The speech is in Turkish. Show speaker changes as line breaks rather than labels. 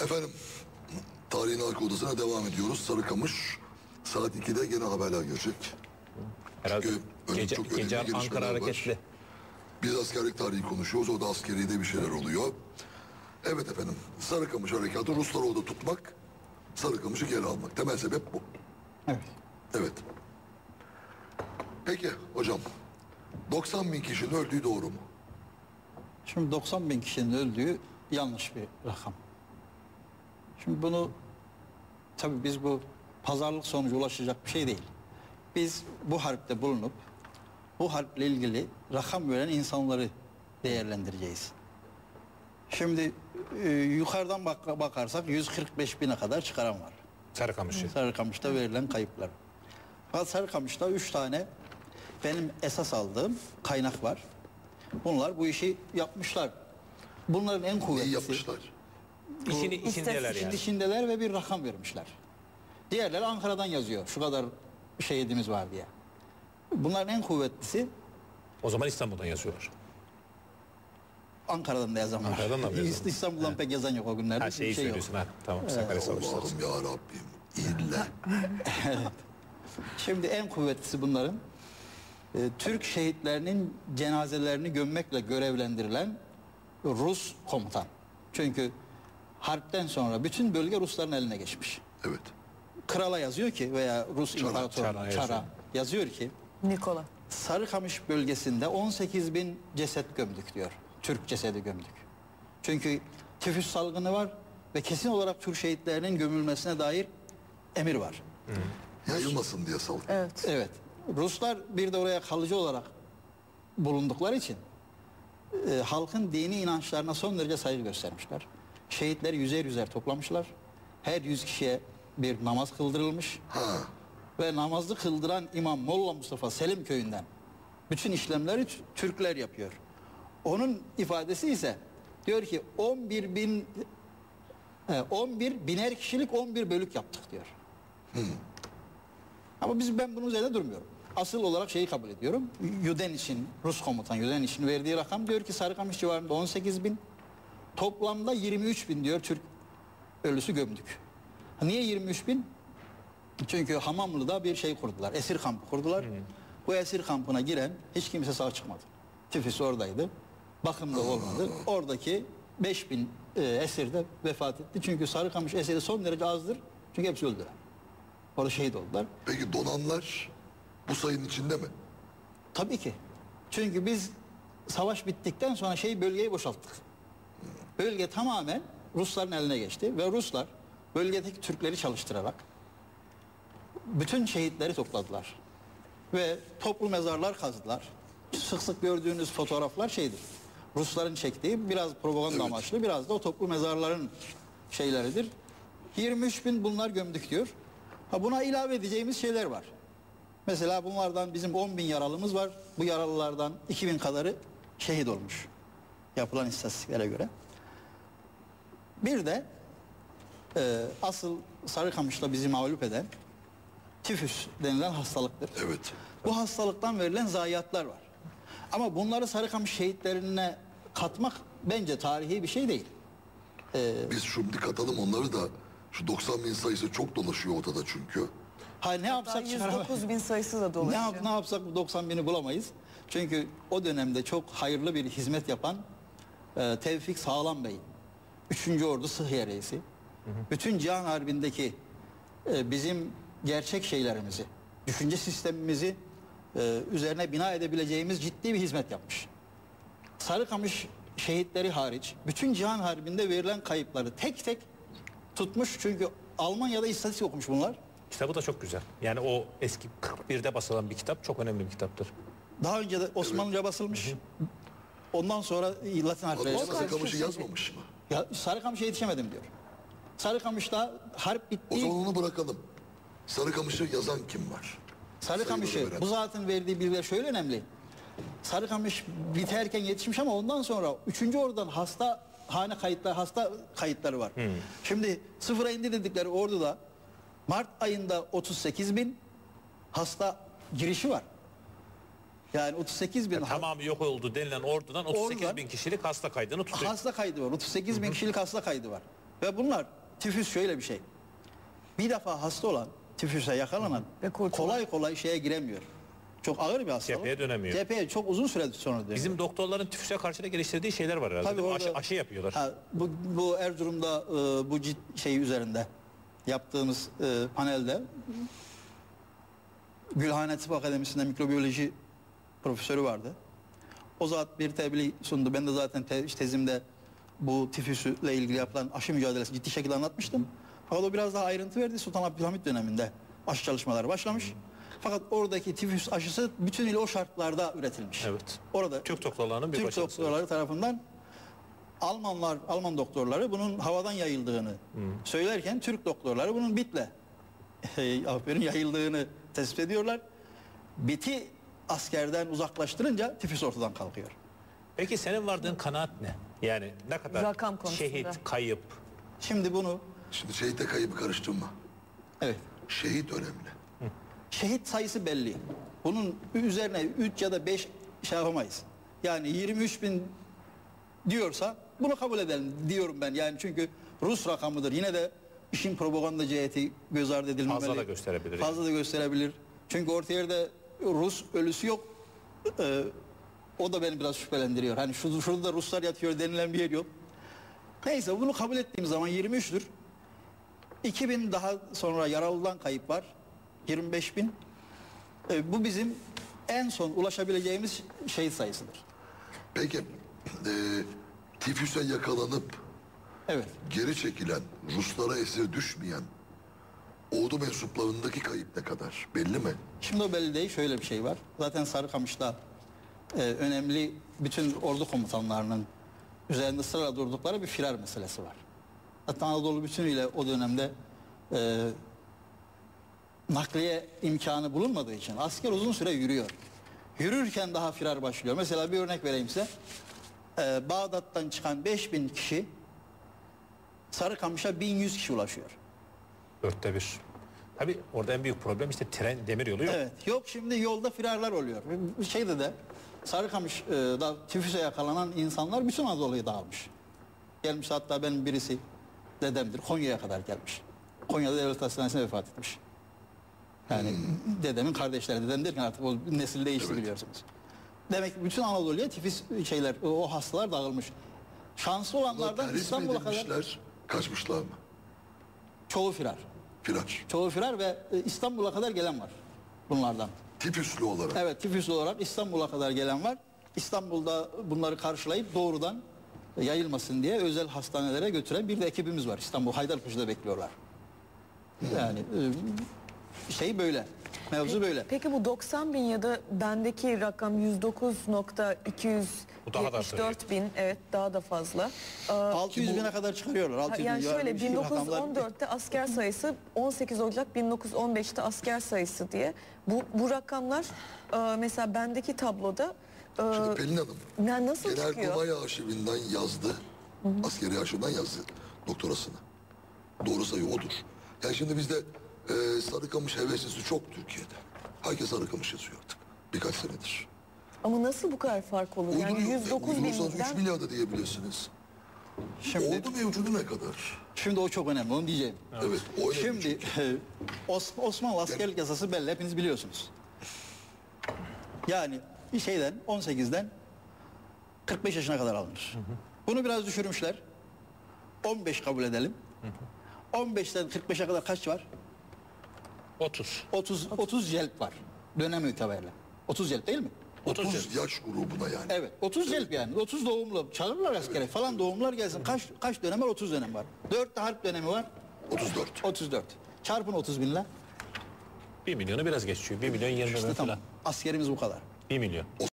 Efendim, tarihin arka odasına devam ediyoruz. Sarıkamış saat 2'de gene haberler gelecek.
Herhalde
Çünkü çok önemli
gece
gelişmeler
Ankara
var.
hareketli.
Biz askerlik tarihi konuşuyoruz. Orada askeride bir şeyler oluyor. Evet efendim, Sarıkamış harekatı Rusları orada tutmak, Sarıkamış'ı geri almak. Temel sebep bu.
Evet.
Evet. Peki hocam, 90 bin kişinin öldüğü doğru mu?
Şimdi 90 bin kişinin öldüğü yanlış bir rakam. Şimdi bunu tabii biz bu pazarlık sonucu ulaşacak bir şey değil. Biz bu harpte bulunup bu harple ilgili rakam veren insanları değerlendireceğiz. Şimdi yukarıdan bakarsak 145 bine kadar çıkaran var.
Sarıkamış'ı.
Sarıkamış'ta verilen kayıplar. Fakat Sarıkamış'ta 3 tane benim esas aldığım kaynak var. Bunlar bu işi yapmışlar. Bunların en
İyi
kuvvetlisi.
yapmışlar.
İşindeler yani.
İşindeler ve bir rakam vermişler. Diğerleri Ankara'dan yazıyor. Şu kadar şehidimiz var diye. Bunların en kuvvetlisi
O zaman İstanbul'dan yazıyorlar.
Ankara'dan da yazan var.
Ankara'dan da mı yazan?
İstanbul'dan pek yazan yok o günlerde.
Her şeyi
Bir şey yok.
söylüyorsun ha. Tamam. Sakarya Savaşları.
Allah'ım ya Rabbim. İlle.
Şimdi en kuvvetlisi bunların Türk şehitlerinin cenazelerini gömmekle görevlendirilen Rus komutan. Çünkü harpten sonra bütün bölge Rusların eline geçmiş.
Evet.
Krala yazıyor ki veya Rus
Çara
İmparatorluğu'na
yazıyor.
yazıyor ki
Nikola.
Sarıkamış bölgesinde 18 bin ceset gömdük diyor. Türk cesedi gömdük. Çünkü tifüs salgını var ve kesin olarak Türk şehitlerinin gömülmesine dair emir var.
Yayılmasın diye saldı.
Evet.
Evet. Ruslar bir de oraya kalıcı olarak bulundukları için halkın dini inançlarına son derece saygı göstermişler. Şehitleri yüzer yüzer toplamışlar. Her 100 kişiye bir namaz kıldırılmış.
Ha.
Ve namazı kıldıran İmam Molla Mustafa Selim köyünden bütün işlemleri Türkler yapıyor. Onun ifadesi ise diyor ki 11 biner kişilik 11 bölük yaptık diyor. Ama ben bunun üzerinde durmuyorum. Asıl olarak şeyi kabul ediyorum. Yudeniş'in, Rus komutan Yudeniş'in verdiği rakam diyor ki Sarıkamış civarında 18 bin, toplamda 23 bin diyor Türk ölüsü gömdük. Niye 23 bin? Çünkü Hamamlı'da bir şey kurdular, esir kampı kurdular. Bu esir kampına giren hiç kimse sağ çıkmadı. Tifüs oradaydı, bakımda olmadı. Oradaki 5 bin esir de vefat etti. Çünkü Sarıkamış esiri son derece azdır. Çünkü hepsi öldüler. Orada şehit oldular.
Peki donanlar bu sayının içinde mi?
Tabii ki. Çünkü biz savaş bittikten sonra bölgeyi boşalttık. Bölge tamamen Rusların eline geçti ve Ruslar bölgedeki Türkleri çalıştırarak bütün şehitleri topladılar. Ve toplu mezarlar kazdılar. Sık sık gördüğünüz fotoğraflar şeydir. Rusların çektiği biraz propaganda amaçlı, biraz da o toplu mezarların şeyleridir. 23 bin bunlar gömdük diyor. Buna ilave edeceğimiz şeyler var. Mesela bunlardan bizim 10 bin yaralımız var. Bu yaralılardan 2000 kadarı şehit olmuş. Yapılan istatistiklere göre. Bir de asıl Sarıkamış'ta bizi mağlup eden tifüs denilen hastalıktır.
Evet.
Bu hastalıktan verilen zayiatlar var. Ama bunları Sarıkamış şehitlerine katmak bence tarihi bir şey değil.
Biz şimdi katalım onları da. Şu 90 bin sayısı çok dolaşıyor ortada çünkü.
Ne yapsak
109 bin sayısı da dolaşıyor.
ne yapsak bu 90 bini bulamayız. Çünkü o dönemde çok hayırlı bir hizmet yapan Tevfik Sağlam Bey, 3. Ordu Sıhhiye Reisi, bütün Cihan Harbi'ndeki bizim gerçek şeylerimizi, düşünce sistemimizi üzerine bina edebileceğimiz ciddi bir hizmet yapmış. Sarıkamış şehitleri hariç bütün Cihan Harbi'nde verilen kayıpları tek tek tutmuş. Çünkü Almanya'da istatistik okumuş bunlar.
Kitabı da çok güzel. Yani o eski 41'de basılan bir kitap, çok önemli bir kitaptır.
Daha önce de Osmanlıca basılmış. Ondan sonra Latin harfleri.
Adam Sarıkamış'ı yazmamış mı?
Ya Sarıkamış'a yetişemedim diyor. Sarıkamış'ta harp
O
bitti.
zaman onu bırakalım. Sarıkamış'ı yazan kim var?
Sarıkamış'ı
Sayıları veren.
bu zaten verdiği bilgiler şöyle önemli. Sarıkamış biterken yetişmiş ama ondan sonra 3. Ordu'dan hasta kayıtları var. Şimdi sıfıra indi dedikleri orduda Mart ayında 38 bin hasta girişi var. Yani 38 bin
Tamamı yok oldu denilen ordudan 38 bin kişilik hasta kaydını tutuyor.
hasta kaydı var. 38 bin kişilik hasta kaydı var. Ve bunlar tifüs şöyle bir şey. Bir defa hasta olan, tifüse yakalanan
Ve kurtulan.
kolay kolay şeye giremiyor. Çok ağır bir hastalık.
Cepheye dönemiyor.
Cepheye çok uzun süre sonra dönüyor.
Bizim doktorların tifüse karşı da geliştirdiği şeyler var herhalde.
Tabii
değil mi?
orada-
Aşı yapıyorlar.
Ha, bu Erzurum'da bu şey üzerinde yaptığımız panelde Gülhane Tıp Akademisi'nde mikrobiyoloji profesörü vardı. O zat bir tebliğ sundu. Ben de zaten tezimde bu tifüsle ilgili yapılan aşı mücadelesi ciddi şekilde anlatmıştım. Fakat o biraz daha ayrıntı verdi. Sultan Abdülhamit döneminde aşı çalışmaları başlamış. Fakat oradaki tifüs aşısı bütünüyle o şartlarda üretilmiş.
Evet.
Orada
Türk doktorlarının bir
Türk
başarısı.
doktorları tarafından Alman doktorları bunun havadan yayıldığını söylerken Türk doktorları bunun bitle yayıldığını tespit ediyorlar. Biti askerden uzaklaştırınca tifüs ortadan kalkıyor.
Peki senin vardığın kanaat ne? Yani ne kadar
Rakam konusunda.
şehit, kayıp?
Şimdi bunu
Şimdi şehite kaybı karıştırma.
evet
Şehit önemli.
şehit sayısı belli. Bunun üzerine 3 ya da 5 şey yapamayız. Yani 23 bin diyorsa bunu kabul edelim diyorum ben. Yani çünkü Rus rakamıdır. Yine de işin propaganda ciheti göz ardı edilmemeli.
Fazla da gösterebilir.
Fazla da gösterebilir. Çünkü orta yerde Rus ölüsü yok. O da beni biraz şüphelendiriyor. Hani şurada da Ruslar yatıyor denilen bir yer yok. Neyse bunu kabul ettiğim zaman 23'tür. 2000 daha sonra yaralıdan kayıp var. 25 bin. Bu bizim en son ulaşabileceğimiz şehit sayısıdır.
Peki tifüse yakalanıp
Evet.
geri çekilen, Ruslara esir düşmeyen ordu mensuplarındaki kayıp ne kadar? Belli mi?
Şimdi o belli değil. Şöyle bir şey var. Zaten Sarıkamış'ta önemli bütün ordu komutanlarının üzerinde ısrarla durdukları bir firar meselesi var. Hatta Anadolu bütünüyle o dönemde nakliye imkanı bulunmadığı için asker uzun süre yürüyor. Yürürken daha firar başlıyor. Mesela bir örnek vereyim size. Bağdat'tan çıkan 5000 kişi Sarıkamış'a 1100 kişi ulaşıyor.
1/4. Tabii orada en büyük problem işte tren, demir yolu yok.
Evet. Yok şimdi yolda firarlar oluyor. Şeyde de Sarıkamış'da tifüse yakalanan insanlar bütün Anadolu'ya dağılmış. Gelmiş hatta benim birisi dedemdir. Konya'ya kadar gelmiş. Konya'da devlet hastanesine vefat etmiş. Yani dedemin kardeşleri. Dedem derken artık o nesil değişti biliyorsunuz. Demek ki bütün Anadolu'ya tifus şeyler, o hastalar dağılmış. Şanslı olanlardan
Terhis mi
İstanbul'a kadar
edilmişler, kaçmışlar mı?
çoğu firar.
Firar.
Çoğu firar ve İstanbul'a kadar gelen var bunlardan.
Tifüslü olarak.
Evet, tifüslü olarak İstanbul'a kadar gelen var. İstanbul'da bunları karşılayıp doğrudan yayılmasın diye özel hastanelere götüren bir de ekibimiz var. İstanbul Haydarpaşa'da bekliyorlar. Yani şey böyle. Mevzu böyle.
Peki bu 90 bin ya da bendeki rakam 109.274 bin, evet daha da fazla.
600 bine kadar çıkarıyorlar. 600
Yani
bin.
şöyle
bir şey, rakamlar-
1914'te asker sayısı, 18 Ocak 1915'te asker sayısı diye. Bu rakamlar mesela bendeki tabloda
Şimdi Pelin Hanım,
nasıl çıkıyor?
Genelkurmay Arşivinden yazdı. Askeri arşivden yazdı doktorasını. Doğru sayı odur. Yani şimdi bizde Sarıkamış heveslisi çok Türkiye'de. Herkes Sarıkamış yazıyor artık. Birkaç senedir.
Ama nasıl bu kadar fark olur? Yani
Uyduruyor.
109
Uydurursanız 3
binden
milyar da diyebilirsiniz.
Şimdi,
Ordu mevcudu ne kadar?
şimdi o çok önemli, onu diyeceğim.
Evet, o önemli.
Şimdi Osmanlı askerlik yasası belli, hepiniz biliyorsunuz. Yani bir şeyden 18'den 45 yaşına kadar alınır. Bunu biraz düşürmüşler. 15 kabul edelim. 15'ten 45'e kadar kaç var?
30.
30 celp var. Dönem itibariyle. 30 celp değil mi?
30 yaş grubuna yani.
Evet. 30 celp yani. 30 doğumlu. Çağırırlar askere falan doğumlar gelsin. Kaç dönem var? 30 dönem var. 4 de harp dönemi var.
34.
34. Çarpın 30 binle.
1 milyonu biraz geçiyor. 1 milyon 20 bin
İşte
falan.
tamam. Askerimiz bu kadar.
1 milyon.